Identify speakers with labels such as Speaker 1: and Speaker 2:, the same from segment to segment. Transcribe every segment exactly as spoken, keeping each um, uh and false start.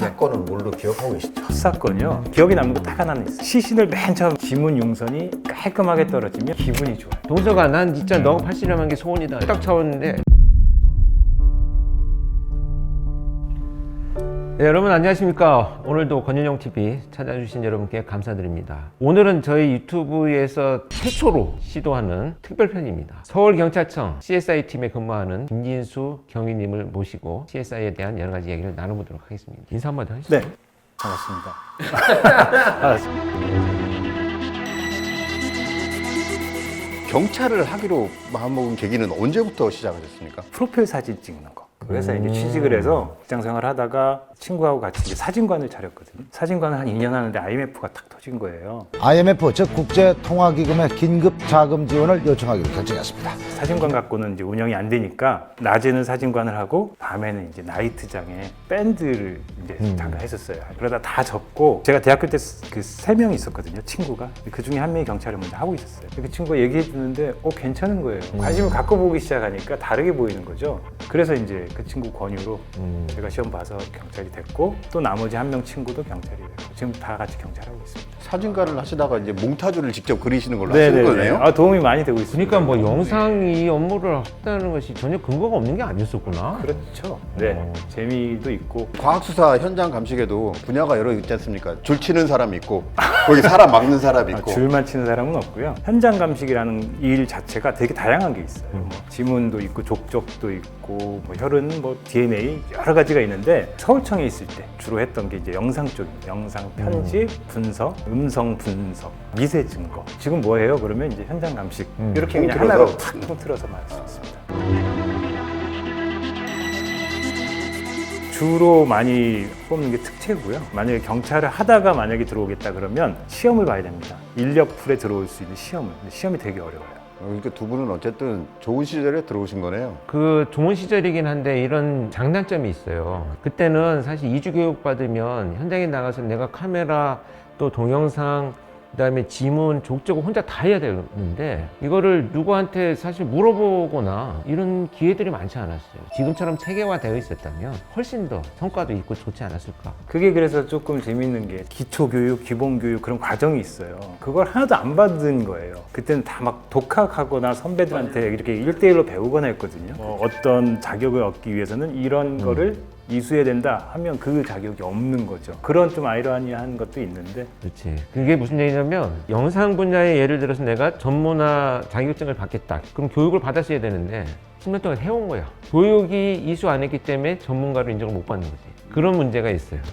Speaker 1: 사건은 뭘로 기억하고 계시죠?
Speaker 2: 첫 사건이요. 기억에 남는 거 딱 하나는 있어요. 시신을 맨 처음 지문 융선이 깔끔하게 떨어지면 기분이 좋아요.
Speaker 3: 동서가 난 진짜 너가 팔씨름한 게 소원이다 딱 차웠는데. 네, 여러분 안녕하십니까. 오늘도 권윤영티비 찾아주신 여러분께 감사드립니다. 오늘은 저희 유튜브에서 최초로 시도하는 특별편입니다. 서울경찰청 씨에스아이 팀에 근무하는 김진수 경위님을 모시고 씨에스아이에 대한 여러 가지 얘기를 나눠보도록 하겠습니다. 인사 한마디 하시죠.
Speaker 2: 네, 반갑습니다. 반갑습니다.
Speaker 1: 경찰을 하기로 마음먹은 계기는 언제부터 시작하셨습니까?
Speaker 2: 프로필 사진 찍는 거. 그 회사에
Speaker 3: 음.
Speaker 2: 이제 취직을 해서 직장 생활을 하다가 친구하고 같이 이제 사진관을 차렸거든요. 사진관을 한 이 년 하는데 아이엠에프가 탁 터진 거예요.
Speaker 4: 아이엠에프 즉 국제통화기금의 긴급 자금 지원을 요청하기로 결정했습니다.
Speaker 2: 사진관 갖고는 이제 운영이 안 되니까 낮에는 사진관을 하고 밤에는 이제 나이트장에 밴드를 이제
Speaker 3: 음.
Speaker 2: 잠깐 했었어요. 그러다 다 접고 제가 대학교 때 그 세 명이 있었거든요. 친구가. 그 중에 한 명이 경찰을 먼저 하고 있었어요. 그 친구가 얘기해 주는데 어 괜찮은 거예요. 관심을 갖고 보기 시작하니까 다르게 보이는 거죠. 그래서 이제 그 친구 권유로
Speaker 3: 음.
Speaker 2: 제가 시험 봐서 경찰이 됐고 또 나머지 한 명 친구도 경찰이 됐고 지금 다 같이 경찰하고 있습니다.
Speaker 1: 사진가를 하시다가 이제 몽타주를 직접 그리시는 걸로 하시는 거네요?
Speaker 2: 아, 도움이 많이 되고 있습니다.
Speaker 3: 그러니까 뭐 영상이 업무를 했다는 것이 전혀 근거가 없는 게 아니었었구나.
Speaker 2: 그렇죠. 네,
Speaker 3: 어.
Speaker 2: 재미도 있고
Speaker 1: 과학수사 현장 감식에도 분야가 여러 있지 않습니까? 줄 치는 사람 있고 거기 사람 막는 사람
Speaker 2: 아,
Speaker 1: 있고
Speaker 2: 줄만 치는 사람은 없고요. 현장 감식이라는 일 자체가 되게 다양한 게 있어요. 뭐 지문도 있고 족적도 있고 뭐 혈흔, 뭐 디엔에이 여러 가지가 있는데 서울청에 있을 때 주로 했던 게 이제 영상 쪽입니다. 영상 편집, 분석, 음성 분석, 미세 증거. 지금 뭐예요? 그러면 이제 현장 감식
Speaker 3: 음.
Speaker 2: 이렇게 그냥
Speaker 1: 통틀어서.
Speaker 2: 하나로 탁 통틀어서 말할 수 있습니다. 주로 많이 뽑는 게 특채고요. 만약에 경찰을 하다가 만약에 들어오겠다 그러면 시험을 봐야 됩니다. 인력풀에 들어올 수 있는 시험을. 근데 시험이 되게 어려워요.
Speaker 1: 그러니까 두 분은 어쨌든 좋은 시절에 들어오신 거네요.
Speaker 3: 그 좋은 시절이긴 한데 이런 장단점이 있어요. 그때는 사실 이주 교육 받으면 현장에 나가서 내가 카메라 또 동영상 그다음에 지문, 족적을 혼자 다 해야 되는데 이거를 누구한테 사실 물어보거나 이런 기회들이 많지 않았어요. 지금처럼 체계화되어 있었다면 훨씬 더 성과도 있고 좋지 않았을까.
Speaker 2: 그게 그래서 조금 재밌는 게 기초교육, 기본교육 그런 과정이 있어요. 그걸 하나도 안 받은 거예요. 그때는 다 막 독학하거나 선배들한테 이렇게 일대일로 배우거나 했거든요. 뭐 어떤 자격을 얻기 위해서는 이런 거를 이수해야 된다 하면 그 자격이 없는 거죠. 그런 좀 아이러니한 것도 있는데
Speaker 3: 그렇지. 그게 무슨 얘기냐면 영상 분야에 예를 들어서 내가 전문화 자격증을 받겠다. 그럼 교육을 받았어야 되는데 십 년 동안 해온 거야. 교육이 이수 안 했기 때문에 전문가로 인정을 못 받는 거지. 그런 문제가 있어요.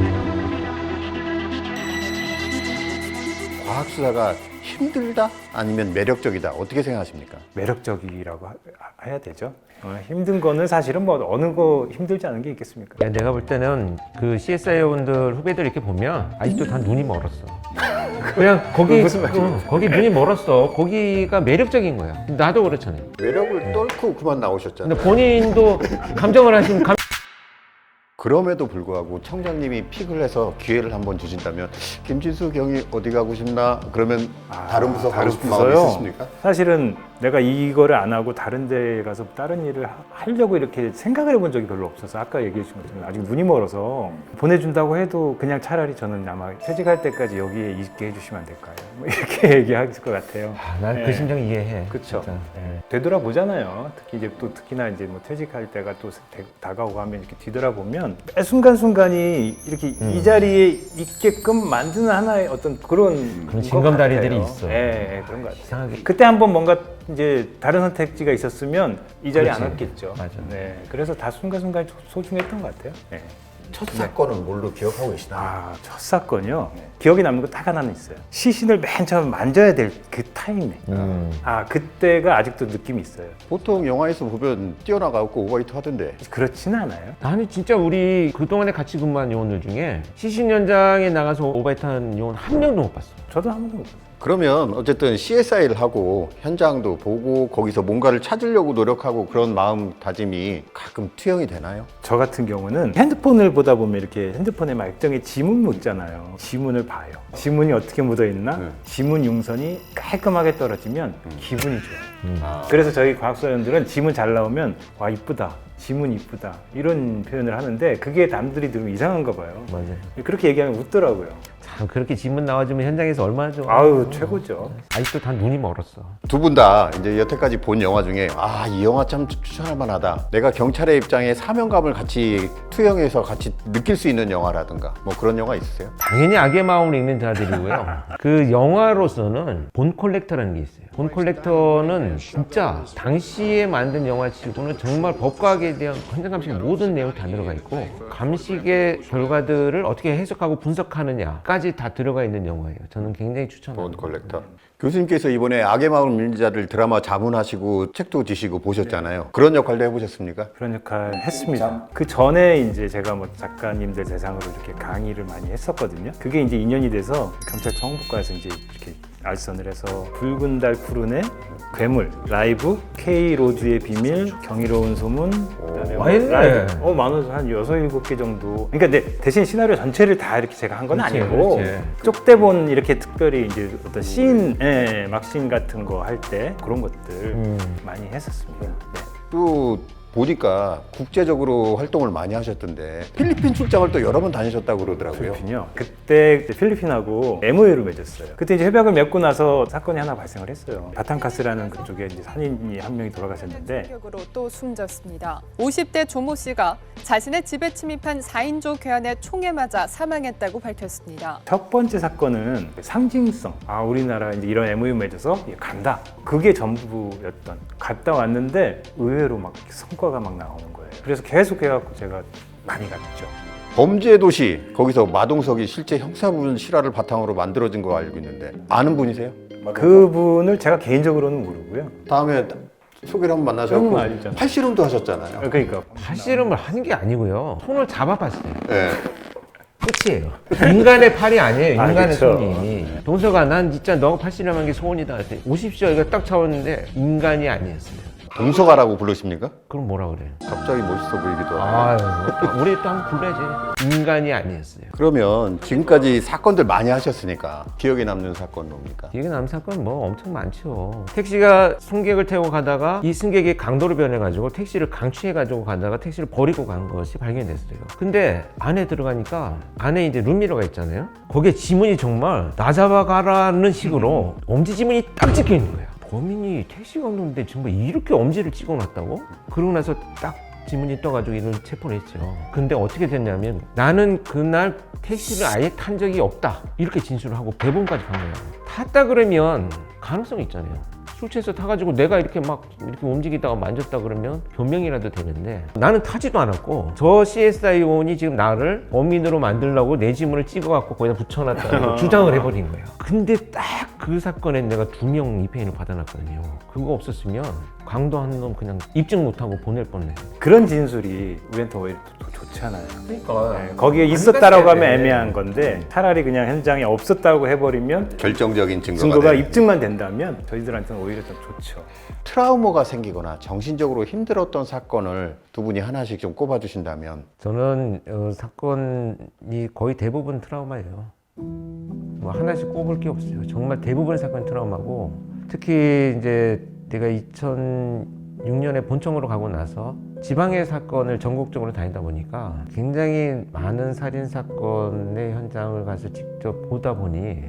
Speaker 1: 과학수사가 힘들다? 아니면 매력적이다? 어떻게 생각하십니까?
Speaker 2: 매력적이라고 하- 해야 되죠. 어, 힘든 거는 사실은 뭐 어느 거 힘들지 않은 게 있겠습니까?
Speaker 3: 야, 내가 볼 때는 그 씨에스아이원들 후배들 이렇게 보면 아직도 다 눈이 멀었어. 그냥 거기
Speaker 2: 무슨 말이에요?
Speaker 3: 어, 거기 눈이 멀었어. 거기가 매력적인 거야. 나도 그렇잖아요.
Speaker 1: 매력을 떨고 그만 나오셨잖아요.
Speaker 3: 근데 본인도 감정을 하시면 감...
Speaker 1: 그럼에도 불구하고 청장님이 픽을 해서 기회를 한번 주신다면 김진수 경위 어디 가고 싶나? 그러면
Speaker 2: 아,
Speaker 1: 다른 부서 가고
Speaker 2: 다른
Speaker 1: 싶은 마음이
Speaker 2: 부서요?
Speaker 1: 있으십니까?
Speaker 2: 사실은 내가 이거를 안 하고 다른 데 가서 다른 일을 하- 하려고 이렇게 생각을 해본 적이 별로 없어서 아까 얘기해 주신 것처럼 아직 눈이 멀어서 보내준다고 해도 그냥 차라리 저는 아마 퇴직할 때까지 여기에 있게 해주시면 안 될까요? 뭐 이렇게 얘기할 것 같아요.
Speaker 3: 난 그
Speaker 2: 네.
Speaker 3: 심정 이해해.
Speaker 2: 그쵸.
Speaker 3: 진짜. 네.
Speaker 2: 되돌아보잖아요. 특히 이제 또 특히나 이제 뭐 퇴직할 때가 또 대- 다가오고 하면 이렇게 뒤돌아보면 매 순간순간이 이렇게
Speaker 3: 음.
Speaker 2: 이 자리에 있게끔 만드는 하나의 어떤 그런
Speaker 3: 그런
Speaker 2: 것
Speaker 3: 징검다리들이
Speaker 2: 같아요.
Speaker 3: 있어.
Speaker 2: 예, 예, 그런 것 같아요.
Speaker 3: 이상하게.
Speaker 2: 그때 한번 뭔가 이제 다른 선택지가 있었으면 이 자리에 안
Speaker 3: 그렇지.
Speaker 2: 왔겠죠.
Speaker 3: 맞아.
Speaker 2: 네, 그래서 다 순간순간 소중했던 것 같아요. 네.
Speaker 1: 첫 사건은 뭘로 기억하고 계시나요?
Speaker 2: 아, 첫 사건이요. 기억에 남는 거 딱 하나는 있어요. 시신을 맨 처음 만져야 될 그 타이밍.
Speaker 3: 음.
Speaker 2: 아, 그때가 아직도 느낌이 있어요.
Speaker 1: 보통 영화에서 보면 뛰어나가고 오버히트 하던데
Speaker 2: 그렇지는 않아요.
Speaker 3: 나는 진짜 우리 그동안에 같이 근무한 요원들 중에 시신 현장에 나가서 오바이트한 요원 한 명도 못 봤어.
Speaker 2: 저도 한 번도 못 봤어요.
Speaker 1: 그러면 어쨌든 씨에스아이를 하고 현장도 보고 거기서 뭔가를 찾으려고 노력하고 그런 마음다짐이 가끔 투영이 되나요?
Speaker 2: 저 같은 경우는 핸드폰을 보다 보면 이렇게 핸드폰에 막 액정에 지문 묻잖아요. 지문을 봐요. 지문이 어떻게 묻어 있나?
Speaker 1: 네.
Speaker 2: 지문 융선이 깔끔하게 떨어지면 기분이 좋아요.
Speaker 3: 음.
Speaker 1: 아.
Speaker 2: 그래서 저희 과학수사원들은 지문 잘 나오면 와 이쁘다. 지문 이쁘다 이런 표현을 하는데 그게 남들이 들으면 이상한가 봐요.
Speaker 3: 맞아요.
Speaker 2: 그렇게 얘기하면 웃더라고요.
Speaker 3: 참 그렇게 지문 나와주면 현장에서 얼마나 좋아.
Speaker 2: 아우 최고죠.
Speaker 3: 아직도 다 눈이 멀었어.
Speaker 1: 두 분 다 이제 여태까지 본 영화 중에 아, 이 영화 참 추천할 만하다. 내가 경찰의 입장에 사명감을 같이 투영해서 같이 느낄 수 있는 영화라든가 뭐 그런 영화 있으세요?
Speaker 3: 당연히 악의 마음을 읽는 자들이고요. 그 영화로서는 본 콜렉터라는 게 있어요. 본 콜렉터는 진짜 당시에 만든 영화치고는 정말 법과학에 대한 현장 감식의 모든 내용이 다 들어가 있고 감식의 결과들을 어떻게 해석하고 분석하느냐까지 다 들어가 있는 영화예요. 저는 굉장히
Speaker 1: 본
Speaker 3: 추천합니다.
Speaker 1: 콜렉터. 교수님께서 이번에 악의 마음을 읽는 자들 드라마 자문하시고 책도 지시고 보셨잖아요. 그런 역할도 해보셨습니까?
Speaker 2: 그런 역할 했습니다. 그 전에 이제 제가 뭐 작가님들 대상으로 이렇게 강의를 많이 했었거든요. 그게 이제 인연이 돼서 경찰청 홍보과에서 이제 이렇게 알선을 해서 붉은 달 푸른의 괴물, 라이브, K 로드의 비밀, 경이로운 소문, 그다음에 뭐
Speaker 3: 많이 했네.
Speaker 2: 라이브, 어 많아서 한 여섯 일곱 개 정도. 그러니까 내 대신 시나리오 전체를 다 이렇게 제가 한 건
Speaker 3: 그렇지,
Speaker 2: 아니고
Speaker 3: 그렇지.
Speaker 2: 쪽대본 이렇게 특별히 이제 어떤 씬, 예, 막씬 같은 거 할 때 그런 것들
Speaker 3: 음.
Speaker 2: 많이 했었습니다. 네.
Speaker 1: 또 보니까 국제적으로 활동을 많이 하셨던데 필리핀 출장을 또 여러 번 다니셨다고 그러더라고요.
Speaker 2: 필리핀이요. 그때 이제 필리핀하고 엠오유를 맺었어요. 그때 이제 협약을 맺고 나서 사건이 하나 발생을 했어요. 바탕카스라는 그쪽에 이제 산인이 한 명이 돌아가셨는데
Speaker 5: 충격으로 또 숨졌습니다. 오십 대 조모 씨가 자신의 집에 침입한 사 인조 괴한의 총에 맞아 사망했다고 밝혔습니다.
Speaker 2: 첫 번째 사건은 상징성. 아 우리나라 이제 이런 엠오유 맺어서 간다. 그게 전부였던. 갔다 왔는데 의외로 막 성과가 막 나오는 거예요. 그래서 계속 해갖고 제가 많이 갔죠.
Speaker 1: 범죄 도시 거기서 마동석이 실제 형사부분 실화를 바탕으로 만들어진 거 알고 있는데 아는 분이세요?
Speaker 2: 그분을 제가 개인적으로는 모르고요.
Speaker 1: 다음에 소개를 한번 만나서
Speaker 2: 형은 알잖아요.
Speaker 1: 팔씨름도 하셨잖아요.
Speaker 2: 그러니까
Speaker 3: 팔씨름을 하는 게 아니고요. 손을 잡아봤어요.
Speaker 1: 네.
Speaker 3: 끝이에요. 인간의 팔이 아니에요.
Speaker 2: 아,
Speaker 3: 인간의
Speaker 2: 그쵸.
Speaker 3: 손이. 동서가 난 진짜 너가 팔씨름한 게 소원이다. 그랬더니 오십시오. 이거 딱 잡았는데 인간이 아니었어요.
Speaker 1: 동서가라고 부르십니까?
Speaker 3: 그럼 뭐라 그래요?
Speaker 1: 갑자기 멋있어 보이기도 하고.
Speaker 3: 아유, 또 우리 또 한번 불러야지. 인간이 아니었어요.
Speaker 1: 그러면 지금까지 사건들 많이 하셨으니까 기억에 남는 사건 뭡니까?
Speaker 3: 이게 남 사건 뭐 엄청 많죠. 택시가 승객을 태우고 가다가 이 승객이 강도로 변해가지고 택시를 강취해가지고 가다가 택시를 버리고 간 것이 발견됐어요. 근데 안에 들어가니까 안에 이제 룸미러가 있잖아요. 거기에 지문이 정말 나 잡아가라는 식으로 엄지 지문이 딱 찍혀 있는 거예요. 범인이 택시 강도인데 정말 이렇게 엄지를 찍어놨다고? 그러고 나서 딱 지문이 떠가지고 이를 체포를 했죠. 근데 어떻게 됐냐면 나는 그날 택시를 아예 탄 적이 없다 이렇게 진술을 하고 대법원까지 간 거예요. 탔다 그러면 가능성이 있잖아요. 술 취해서 타가지고 내가 이렇게 막 이렇게 움직이다가 만졌다 그러면 변명이라도 되는데 나는 타지도 않았고 저 씨에스아이원이 지금 나를 범인으로 만들려고 내 지문을 찍어갖고 거기다 붙여놨다고 주장을 해버린 거예요. 근데 딱 그 사건에 내가 두 명 입회인을 받아놨거든요. 그거 없었으면 강도한 놈 그냥 입증 못하고 보낼 뻔해.
Speaker 2: 그런 진술이 우리한테 오히려 더 좋잖아요.
Speaker 3: 그러니까
Speaker 2: 네, 거기에 있었다라고 하면 애매한 건데 차라리 그냥 현장에 없었다고 해버리면
Speaker 1: 결정적인 증거가,
Speaker 2: 증거가
Speaker 1: 되는.
Speaker 2: 입증만 된다면 저희들한테는 오히려 좀 좋죠.
Speaker 1: 트라우마가 생기거나 정신적으로 힘들었던 사건을 두 분이 하나씩 좀 꼽아주신다면.
Speaker 3: 저는 어, 사건이 거의 대부분 트라우마예요. 뭐 하나씩 꼽을 게 없어요. 정말 대부분의 사건이 트라우마고 특히 이제 내가 이천육 년에 본청으로 가고 나서 지방의 사건을 전국적으로 다니다 보니까 굉장히 많은 살인 사건의 현장을 가서 직접 보다 보니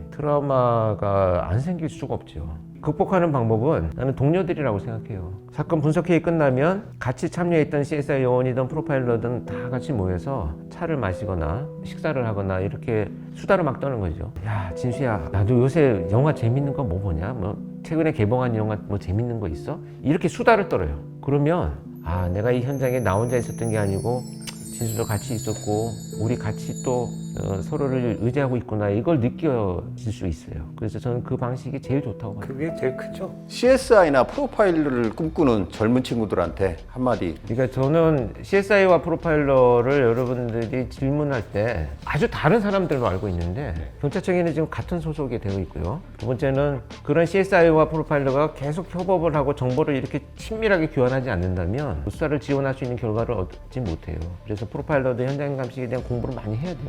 Speaker 3: 트라우마가 안 생길 수가 없죠. 극복하는 방법은 나는 동료들이라고 생각해요. 사건 분석회의 끝나면 같이 참여했던 씨에스아이 요원이든 프로파일러든 다 같이 모여서 차를 마시거나 식사를 하거나 이렇게 수다를 막 떠는 거죠. 야 진수야 나도 요새 영화 재밌는 거 뭐 보냐? 뭐 최근에 개봉한 영화 뭐 재밌는 거 있어? 이렇게 수다를 떨어요. 그러면 아 내가 이 현장에 나 혼자 있었던 게 아니고 진수도 같이 있었고 우리 같이 또 어, 서로를 의지하고 있구나 이걸 느껴질 수 있어요. 그래서 저는 그 방식이 제일 좋다고 봐요.
Speaker 2: 그게 제일 크죠.
Speaker 1: 씨에스아이나 프로파일러를 꿈꾸는 젊은 친구들한테 한마디.
Speaker 3: 그러니까 저는 씨에스아이와 프로파일러를 여러분들이 질문할 때 아주 다른 사람들로 알고 있는데 경찰청에는 지금 같은 소속이 되어 있고요. 두 번째는 그런 씨에스아이와 프로파일러가 계속 협업을 하고 정보를 이렇게 친밀하게 교환하지 않는다면 수사를 지원할 수 있는 결과를 얻지 못해요. 그래서 프로파일러도 현장 감식에 대한 공부를 많이 해야 되고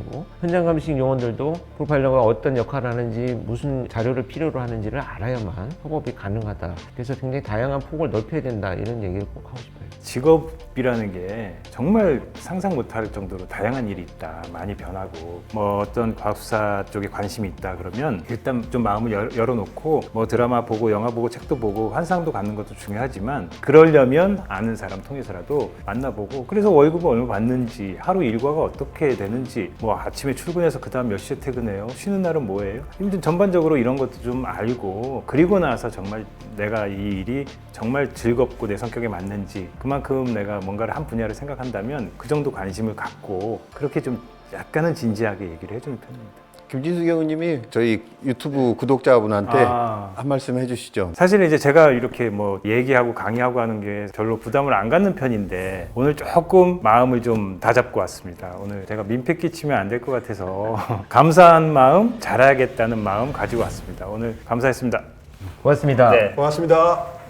Speaker 3: 현장 감식 요원들도 프로파일러가 어떤 역할을 하는지 무슨 자료를 필요로 하는지를 알아야만 협업이 가능하다. 그래서 굉장히 다양한 폭을 넓혀야 된다 이런 얘기를 꼭 하고 싶어요.
Speaker 2: 직업이라는 게 정말 상상 못할 정도로 다양한 일이 있다. 많이 변하고 뭐 어떤 과학수사 쪽에 관심이 있다 그러면 일단 좀 마음을 열, 열어놓고 뭐 드라마 보고 영화 보고 책도 보고 환상도 갖는 것도 중요하지만 그러려면 아는 사람 통해서라도 만나보고 그래서 월급을 얼마 받는지 하루 일과가 어떻게 되는지 뭐 아침에 출근해서 그 다음 몇 시에 퇴근해요? 쉬는 날은 뭐예요? 아무튼 전반적으로 이런 것도 좀 알고 그리고 나서 정말 내가 이 일이 정말 즐겁고 내 성격에 맞는지 그만큼 내가 뭔가를 한 분야를 생각한다면 그 정도 관심을 갖고 그렇게 좀 약간은 진지하게 얘기를 해주는 편입니다.
Speaker 1: 김진수 경우님이 저희 유튜브 구독자분한테
Speaker 2: 아.
Speaker 1: 한 말씀 해주시죠.
Speaker 2: 사실은 이제 제가 이렇게 뭐 얘기하고 강의하고 하는 게 별로 부담을 안 갖는 편인데 오늘 조금 마음을 좀 다잡고 왔습니다. 오늘 제가 민폐 끼치면 안 될 것 같아서 감사한 마음, 잘해야겠다는 마음 가지고 왔습니다. 오늘 감사했습니다.
Speaker 3: 고맙습니다.
Speaker 2: 네.
Speaker 1: 고맙습니다.